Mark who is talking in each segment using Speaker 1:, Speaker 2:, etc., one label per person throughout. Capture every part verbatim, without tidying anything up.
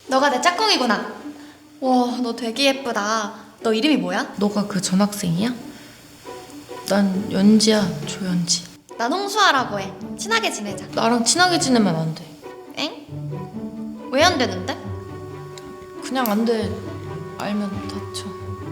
Speaker 1: 너가 내 짝꿍이구나. 와, 너 되게 예쁘다. 너 이름이 뭐야?
Speaker 2: 너가 그 전학생이야? 난 연지야, 조연지.
Speaker 1: 난 홍수아라고 해. 친하게 지내자.
Speaker 2: 나랑 친하게 지내면 안 돼.
Speaker 1: 엥? 왜 안 되는데?
Speaker 2: 그냥 안 돼. 알면 다쳐.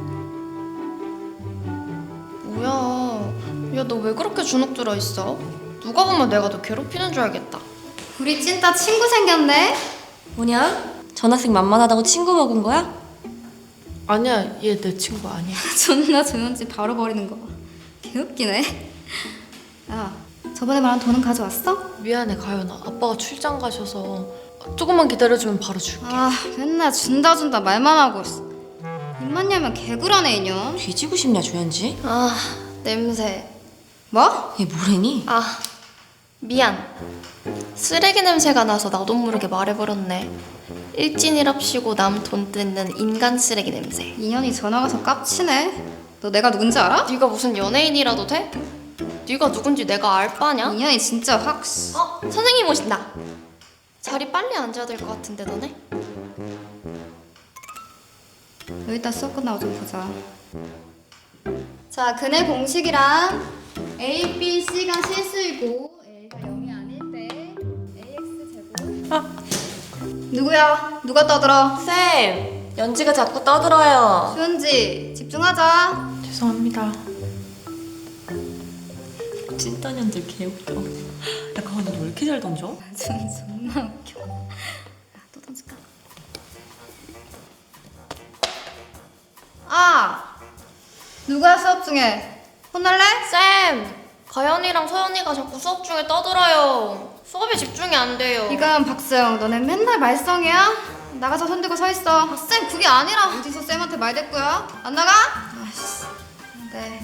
Speaker 1: 뭐야? 야, 너 왜 그렇게 주눅 들어 있어? 누가 보면 내가 너 괴롭히는 줄 알겠다.
Speaker 3: 우리 찐따 친구 생겼네?
Speaker 4: 뭐냐? 전학생 만만하다고 친구 먹은 거야?
Speaker 2: 아니야, 얘 내 친구 아니야.
Speaker 3: 존나 조연지 바로 버리는 거 봐. 개웃기네. 야, 저번에 말한 돈은 가져왔어?
Speaker 2: 미안해, 가연아. 아빠가 출장 가셔서 조금만 기다려주면 바로 줄게.
Speaker 3: 아, 맨날 준다 준다 말만 하고 있어. 입만 열면 개구라네 이년.
Speaker 4: 뒤지고 싶냐 조연지?
Speaker 1: 아, 냄새.
Speaker 3: 뭐?
Speaker 4: 얘 뭐래니?
Speaker 1: 아, 미안. 쓰레기 냄새가 나서 나도 모르게 말해버렸네. 일진이랍시고 남 돈 뜯는 인간 쓰레기 냄새.
Speaker 3: 이년이 전화 가서 깝치네. 너 내가 누군지 알아?
Speaker 1: 네가 무슨 연예인이라도 돼? 네가 누군지 내가 알 바냐?
Speaker 3: 이년이 진짜 확. 씨.
Speaker 1: 어? 선생님 오신다. 자리 빨리 앉아야 될 것 같은데 너네?
Speaker 3: 여기다 수업 끝나고 좀 보자. 자, 근의 공식이란 A, B, C가 실수이고 A가 영이 아닐 때 에이엑스 제곱.
Speaker 4: 아.
Speaker 3: 누구야? 누가 떠들어?
Speaker 4: 쌤! 연지가 자꾸 떠들어요.
Speaker 3: 수연지, 집중하자.
Speaker 2: 죄송합니다.
Speaker 4: 찐따 년들 개웃겨. 야 가은이 너 왜 이렇게 잘 던져?
Speaker 3: 전 존나 웃겨. 야, 또 던질까? 아! 누가 수업 중에 혼날래?
Speaker 1: 쌤! 가연이랑 서연이가 자꾸 수업 중에 떠들어요. 수업에 집중이 안 돼요.
Speaker 3: 이건 박수영, 너네 맨날 말썽이야? 나가서 손들고 서 있어. 아, 쌤 그게 아니라. 어디서 쌤한테 말댔고요? 안 나가? 아씨. 네.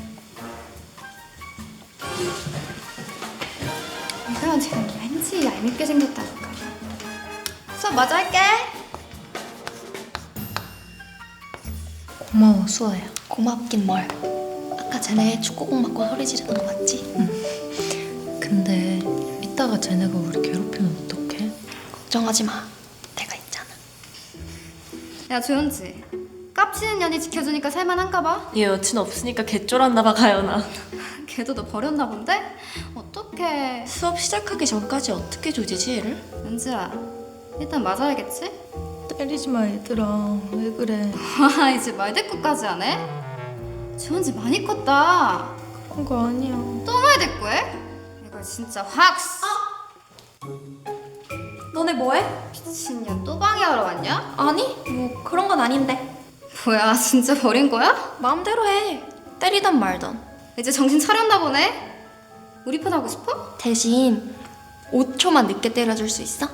Speaker 3: 이상한 지금 왠지 얄밉게 생겼다니까. 수업 마저 할게.
Speaker 2: 고마워, 수아야.
Speaker 1: 고맙긴 뭘. 아까 쟤네 축구공 맞고 소리 지르는 거 맞지?
Speaker 2: 근데 이따가 쟤네가 우리 괴롭히면 어떡해?
Speaker 1: 걱정하지 마. 내가 있잖아.
Speaker 3: 야 조연지, 깝치는 년이 지켜주니까 살만한가 봐.
Speaker 4: 얘 여친 없으니까 개쫄았나 봐 가연아.
Speaker 3: 걔도 너 버렸나 본데? 어떡해.
Speaker 4: 수업 시작하기 전까지 어떻게 조지지 얘를?
Speaker 3: 연지야, 일단 맞아야겠지?
Speaker 2: 때리지 마, 얘들아. 왜 그래?
Speaker 3: 와, 이제 말대꾸까지 하네? 조연지 많이 컸다.
Speaker 2: 그런 거 아니야.
Speaker 3: 또 말대꾸해? 이거 진짜 확.
Speaker 1: 너네 뭐해?
Speaker 3: 미친년 또 방해하러 왔냐?
Speaker 1: 아니, 뭐 그런 건 아닌데.
Speaker 3: 뭐야, 진짜 버린 거야?
Speaker 1: 마음대로 해. 때리던 말던.
Speaker 3: 이제 정신 차렸나 보네? 우리 편 하고 싶어?
Speaker 1: 대신 오 초만 늦게 때려줄 수 있어?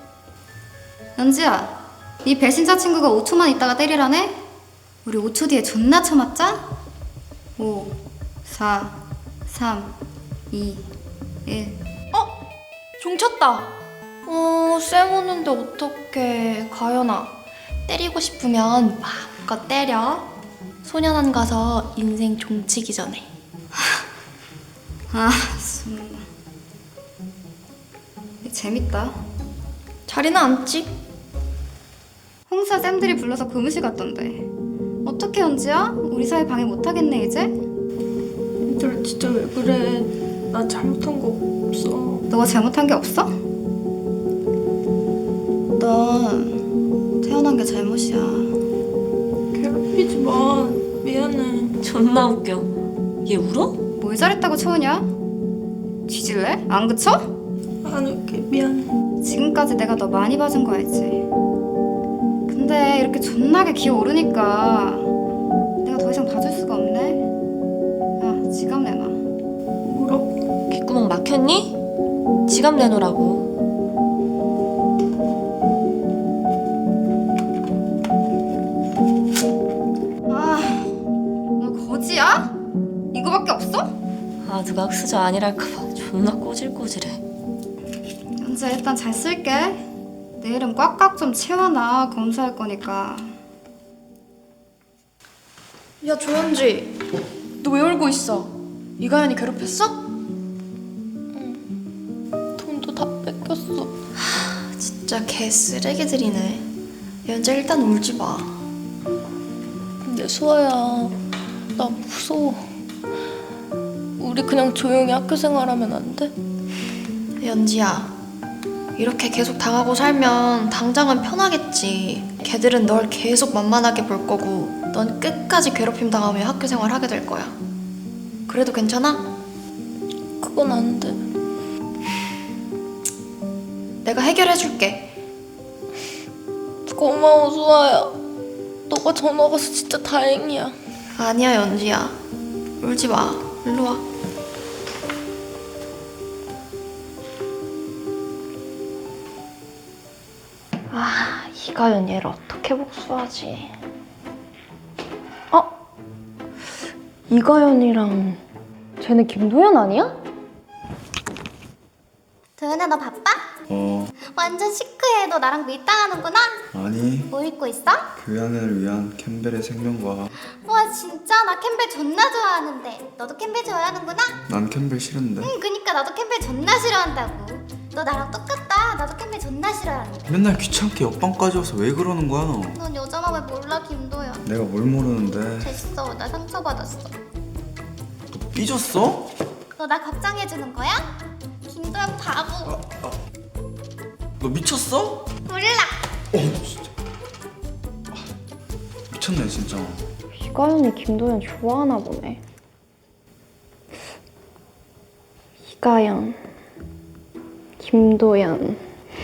Speaker 3: 연지야, 네 배신자 친구가 오 초만 있다가 때리라네? 우리 오 초 뒤에 존나 쳐맞자? 오, 사, 삼, 이, 일.
Speaker 1: 어? 종 쳤다. 어, 쌤 오는데 어떡해. 가연아, 때리고 싶으면 마음껏 때려. 소년원 가서 인생 종치기 전에.
Speaker 3: 아, 정말. 재밌다.
Speaker 1: 자리는 앉지?
Speaker 3: 홍사 쌤들이 불러서 교무실 갔던데. 어떻게 연지야? 우리 사이 방해 못하겠네 이제?
Speaker 2: 얘들아, 진짜 왜 그래? 나 잘못한 거 없어.
Speaker 3: 너가 잘못한 게 없어? 넌 태어난 게 잘못이야.
Speaker 2: 괴롭히지 마. 미안해.
Speaker 4: 존나 웃겨. 얘 울어?
Speaker 3: 뭘 잘했다고 쳐우냐? 뒤질래? 안 그쳐?
Speaker 2: 안 울게, 미안해.
Speaker 3: 지금까지 내가 너 많이 봐준 거 알지? 근데 이렇게 존나게 기어오르니까 내가 더 이상 봐줄 수가 없네. 야, 지갑 내놔.
Speaker 2: 뭐라고?
Speaker 4: 귓구멍 막혔니? 지갑 내놓으라고.
Speaker 3: 아, 너 거지야? 이거밖에 없어?
Speaker 4: 아 누가 흑수저 아니랄까봐 존나 꼬질꼬질해.
Speaker 3: 연지야, 일단 잘 쓸게. 내 이름 꽉꽉 좀 채워놔. 검사할 거니까.
Speaker 1: 야, 조현지. 너 왜 울고 있어? 이가연이 괴롭혔어?
Speaker 2: 돈도 다 뺏겼어.
Speaker 1: 진짜 개 쓰레기들이네. 연재 일단 울지 마.
Speaker 2: 근데 수아야, 나 무서워. 우리 그냥 조용히 학교 생활하면 안 돼?
Speaker 1: 연지야, 이렇게 계속 당하고 살면 당장은 편하겠지. 걔들은 널 계속 만만하게 볼 거고 넌 끝까지 괴롭힘 당하며 학교 생활 하게 될 거야. 그래도 괜찮아?
Speaker 2: 그건 안 돼.
Speaker 1: 내가 해결해 줄게.
Speaker 2: 고마워, 수아야. 너가 전화 가서 진짜 다행이야.
Speaker 1: 아니야, 연지야. 울지 마. 일로 와. 아, 이가연 얘를 어떻게 복수하지? 어? 이가연이랑 쟤네 김도연 아니야?
Speaker 5: 도연아 너 바빠?
Speaker 6: 어,
Speaker 5: 완전 시크해. 너 나랑 밀당하는구나?
Speaker 6: 아니,
Speaker 5: 뭐 입고 있어?
Speaker 6: 교양을 위한 캠벨의 생명과
Speaker 5: 와 진짜 나 캠벨 존나 좋아하는데 너도 캠벨 좋아하는구나?
Speaker 6: 난 캠벨 싫은데.
Speaker 5: 응 그니까 나도 캠벨 존나 싫어한다고. 너 나랑 똑같다. 나도 캠벨 존나 싫어하는데.
Speaker 6: 맨날 귀찮게 옆방까지 와서 왜 그러는 거야?
Speaker 5: 넌 여자 마음을 몰라 김도연.
Speaker 6: 내가 뭘 모르는데.
Speaker 5: 됐어 나 상처받았어.
Speaker 6: 너 삐졌어?
Speaker 5: 너 나 걱정해주는 거야? 김도연 바보.
Speaker 6: 너 미쳤어?
Speaker 5: 몰라.
Speaker 6: 어, 진짜. 아, 미쳤네, 진짜.
Speaker 1: 이가연이 김도연 좋아하나 보네. 이가연, 김도연.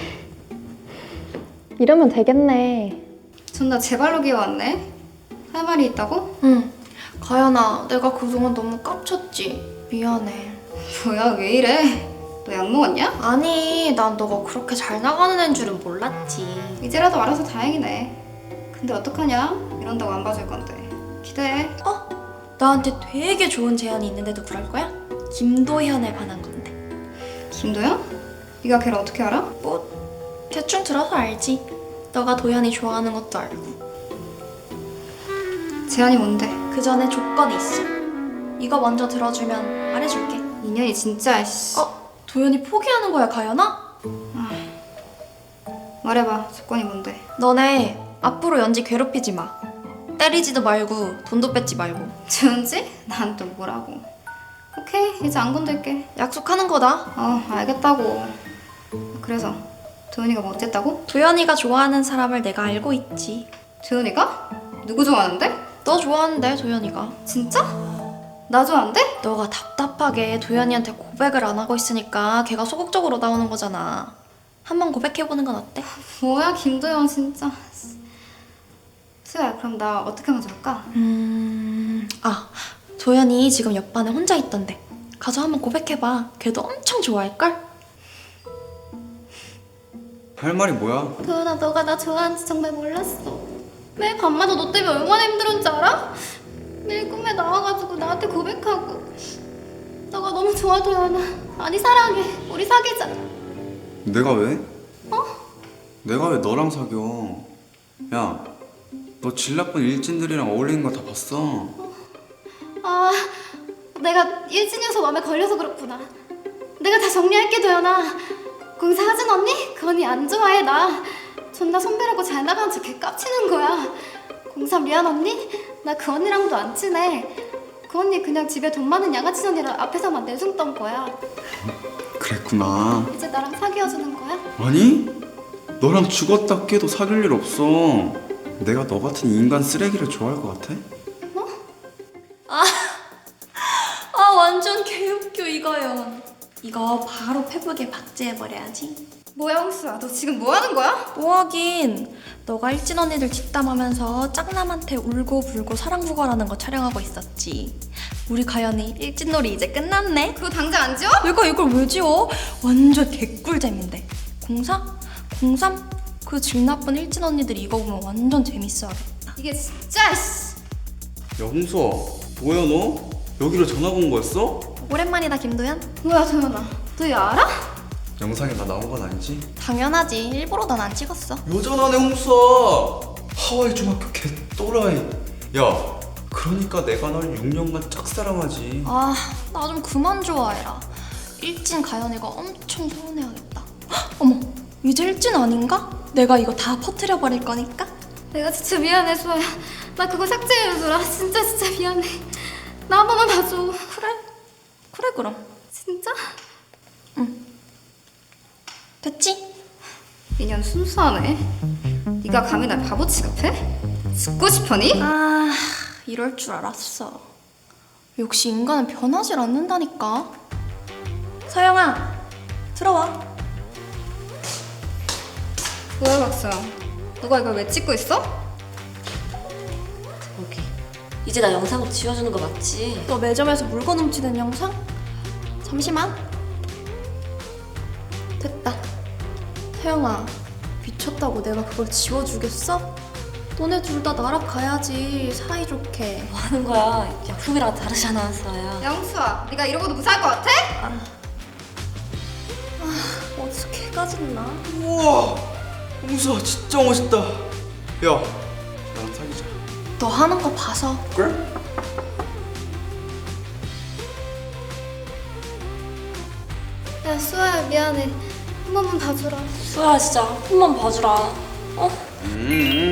Speaker 1: 이러면 되겠네.
Speaker 3: 존나 제발로 기어왔네. 할 말이 있다고?
Speaker 1: 응. 가연아, 내가 그동안 너무 깝쳤지. 미안해.
Speaker 3: 뭐야 왜 이래? 너 약 먹었냐?
Speaker 1: 아니, 난 너가 그렇게 잘 나가는 애인 줄은 몰랐지.
Speaker 3: 이제라도 알아서 다행이네. 근데 어떡하냐? 이런다고 안 봐줄 건데. 기대해.
Speaker 1: 어? 나한테 되게 좋은 제안이 있는데도 그럴 거야? 김도현에 관한 건데.
Speaker 3: 김도연? 네가 걔를 어떻게 알아?
Speaker 1: 뭐 대충 들어서 알지. 너가 도현이 좋아하는 것도 알고.
Speaker 3: 제안이 뭔데?
Speaker 1: 그 전에 조건이 있어. 이거 먼저 들어주면 말해줄게.
Speaker 3: 인연이 진짜 씨.
Speaker 1: 어? 도현이 포기하는 거야, 가연아?
Speaker 3: 말해봐. 조건이 뭔데?
Speaker 1: 너네 앞으로 연지 괴롭히지 마. 때리지도 말고 돈도 뺏지 말고.
Speaker 3: 준지? 난 또 뭐라고? 오케이 이제 안 건들게.
Speaker 1: 약속하는 거다.
Speaker 3: 어 알겠다고. 그래서 도연이가 뭐 어쨌다고?
Speaker 1: 도현이가 좋아하는 사람을 내가 알고 있지.
Speaker 3: 도연이가? 누구 좋아하는데?
Speaker 1: 너 좋아하는데, 도현이가.
Speaker 3: 진짜? 나 좋아한대?
Speaker 1: 너가 답답하게 도현이한테 고백을 안 하고 있으니까 걔가 소극적으로 나오는 거잖아. 한번 고백해보는 건 어때?
Speaker 3: 뭐야 김도연 진짜. 수야 그럼 나 어떻게 먼저 할까?
Speaker 1: 음... 아, 도현이 지금 옆반에 혼자 있던데. 가서 한번 고백해봐. 걔도 엄청 좋아할걸?
Speaker 6: 할 말이 뭐야?
Speaker 5: 도연아 너가 나 좋아하는지 정말 몰랐어. 매일 밤마다 너 때문에 얼마나 힘들었는지 알아? 매일 꿈에 나와가지고 나한테 고백하고. 너가 너무 좋아 도연아. 아니 사랑해. 우리 사귀자.
Speaker 6: 내가 왜? 어? 내가 왜 너랑 사겨? 야, 너 질 나쁜 일진들이랑 어울리는 거 다 봤어.
Speaker 5: 아 내가 일진 녀석 마음에 걸려서 그렇구나. 내가 다 정리할게 도연아. 공사 하진 언니? 그 언니 안 좋아해 나. 존나 선배라고 잘 나가는 척 개 깝치는 거야. 공사 미안 언니? 나 그 언니랑도 안 친해. 그 언니 그냥 집에 돈 많은 양아치 언니랑 앞에서만 내숭 떤 거야.
Speaker 6: 그랬구나.
Speaker 5: 이제 나랑 사귀어주는 거야?
Speaker 6: 아니? 너랑 죽었다 깨도 사귈 일 없어. 내가 너 같은 인간 쓰레기를 좋아할 것 같아?
Speaker 1: 아, 완전 개웃겨, 이거요. 이거 바로 페북에 박제해버려야지.
Speaker 3: 뭐야 홍수야 너 지금 뭐 하는 거야?
Speaker 1: 뭐하긴. 너가 일진 언니들 뒷담하면서 짝남한테 울고불고 사랑구걸하는 거 촬영하고 있었지. 우리 가연이 일진놀이 이제 끝났네.
Speaker 3: 그거 당장 안 지워?
Speaker 1: 내가 이걸 왜 지워? 완전 개꿀잼인데. 공사? 공삼? 그 질 나쁜 일진 언니들이 이거 보면 완전 재밌어하겠다.
Speaker 3: 이게 진짜 씨.
Speaker 6: 야, 홍수아, 뭐야 너? 여기로 전화 온 거였어?
Speaker 1: 오랜만이다, 김도현.
Speaker 3: 뭐야 도연아 너 이거 알아?
Speaker 6: 영상에 나 나온 건 아니지?
Speaker 1: 당연하지. 일부러 난 안 찍었어.
Speaker 6: 여전하네 홍수아. 하와이 중학교 개 또라이. 야, 그러니까 내가 널 육 년간 짝사랑하지.
Speaker 1: 아, 나 좀 그만 좋아해라. 일진 가연이가 엄청 서운해하겠다. 헉, 어머, 이제 일진 아닌가? 내가 이거 다 퍼뜨려 버릴 거니까.
Speaker 5: 내가 진짜 미안해 수아야. 나 그거 삭제해주라. 진짜 진짜 미안해. 나 한 번만 봐줘.
Speaker 1: 그래. 그래 그럼.
Speaker 5: 진짜?
Speaker 1: 됐지?
Speaker 3: 인연 순수하네. 네가 감히 날 바보 취급해? 죽고 싶으니?
Speaker 1: 아, 이럴 줄 알았어. 역시 인간은 변하질 않는다니까. 서영아, 들어와.
Speaker 3: 뭐야 박수영, 너가 이걸 왜 찍고 있어?
Speaker 4: 오케이. 이제 나 영상 지워주는 거 맞지?
Speaker 1: 너 매점에서 물건 훔치는 영상? 잠시만. 됐다. 서영아, 미쳤다고 내가 그걸 지워주겠어? 너네 둘 다 날아가야지, 사이좋게.
Speaker 4: 뭐 하는 거야? 약품이랑 다르잖아, 서야.
Speaker 3: 영수아, 네가 이러고도 무사할 것 같아?
Speaker 1: 어떻게 까짓나?
Speaker 6: 우와 홍수아 진짜 멋있다. 야 나랑 사귀자.
Speaker 1: 너 하는 거 봐서.
Speaker 6: 그래?
Speaker 5: 야 수아야 미안해. 한 번만 봐주라.
Speaker 4: 수야, 진짜 한 번만 봐주라. 어?
Speaker 6: 음